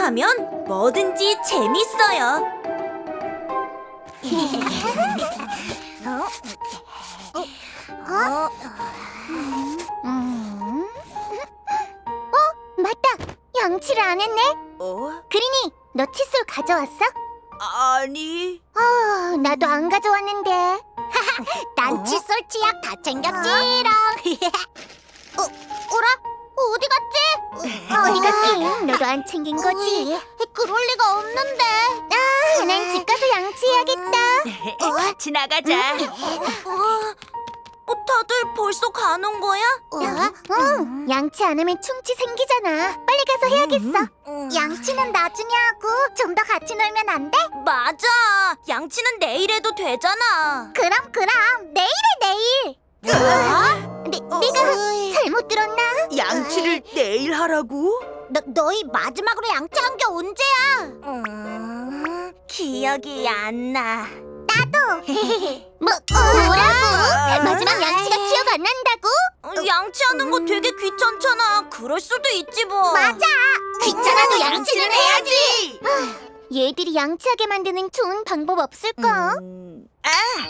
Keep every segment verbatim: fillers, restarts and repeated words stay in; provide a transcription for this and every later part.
하면 뭐든지 재밌어요. 어? 음. 어? 맞다! 양치를 안 했네? 어? 그린이, 너 칫솔 가져왔어? 아니. 아, 나도 안 가져왔는데. 난 어? 칫솔 치약 다 챙겼지롱. 어, 어라? 어디 갔지? 어디 갔긴? 너도 안 챙긴 거지? 그럴 리가 없는데. 아, 난 집 가서 양치해야겠다. 같이 나가자. 어, 다들 벌써 가는 거야? 응, 양치 안 하면 충치 생기잖아. 빨리 가서 해야겠어. 양치는 나중에 하고 좀 더 같이 놀면 안 돼? 맞아. 양치는 내일 해도 되잖아. 그럼 그럼 내일에 내일. 뭐? 내, 내가 잘못 들었나? 양치를 내일 하라고? 너, 너희 마지막으로 양치한 게 언제야? 음, 기억이 안 나. 뭐, 뭐라고? 마지막 양치가 기억 안 난다고? 어, 양치하는 거 되게 귀찮잖아. 그럴 수도 있지 뭐. 맞아. 귀찮아도 양치는 해야지. 해야지. 얘들이 양치하게 만드는 좋은 방법 없을까? 음, 아,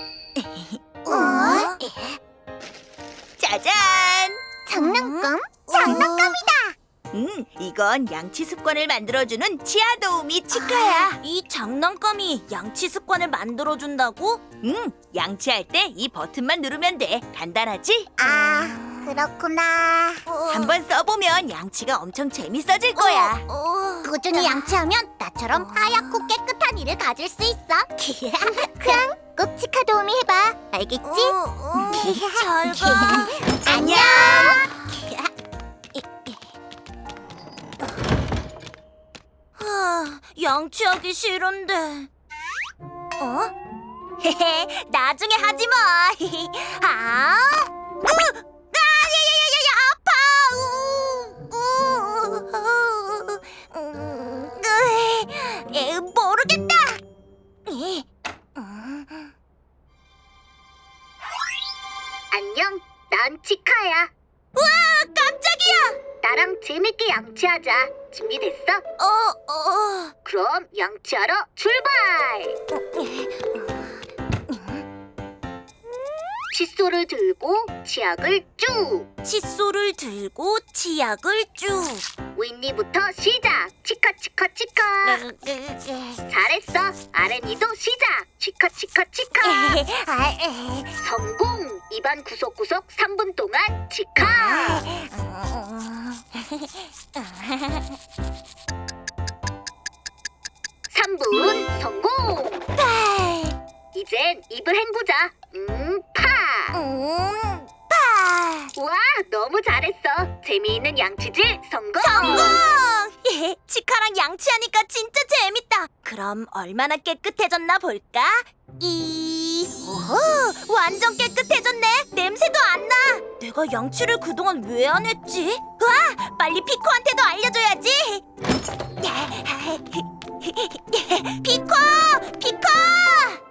어? 짜잔. 장난감? 장난감이다. 음, 이건 양치 습관을 만들어주는 치아 도우미 치카야. 이 장난감이 양치 습관을 만들어준다고? 응, 양치할 때 이 버튼만 누르면 돼. 간단하지? 아, 그렇구나. 한번 써보면 양치가 엄청 재밌어질 거야. 꾸준히 양치하면 나처럼 하얗고 깨끗한 이를 가질 수 있어. 그럼 꼭 치카 도우미 해봐. 알겠지? 잘 가. 안녕. 하, 양치하기 싫은데. 어? 헤헤, 나중에 하지 뭐. 아, 으, 아, 야야야야, 아파. 우, 우, 음, 으, 에, 모르겠다. 에, 음. 안녕, 난 치카야. 우와, 깜짝이야. 나랑 재밌게 양치하자. 준비됐어? 어, 어. 그럼 양치하러 출발! 칫솔을 들고 치약을 쭉! 칫솔을 들고 치약을 쭉. 윗니부터 시작! 치카 치카 치카! 잘했어! 아랫니도 시작! 치카 치카 치카! 성공! 입안 구석구석 삼 분 동안 치카! 삼 분 성공! 이젠 입을 헹구자. 음, 파! 음, 파. 와, 너무 잘했어. 재미있는 양치질 성공! 성공! 예, 치카랑 양치하니까 진짜 재밌다. 그럼 얼마나 깨끗해졌나 볼까? 이, 오호, 완전 깨끗해졌네. 냄새도 안 나. 내가 양치를 그동안 왜 안 했지? 와, 빨리 피코한테도 알려줘야지. 피코, 피코!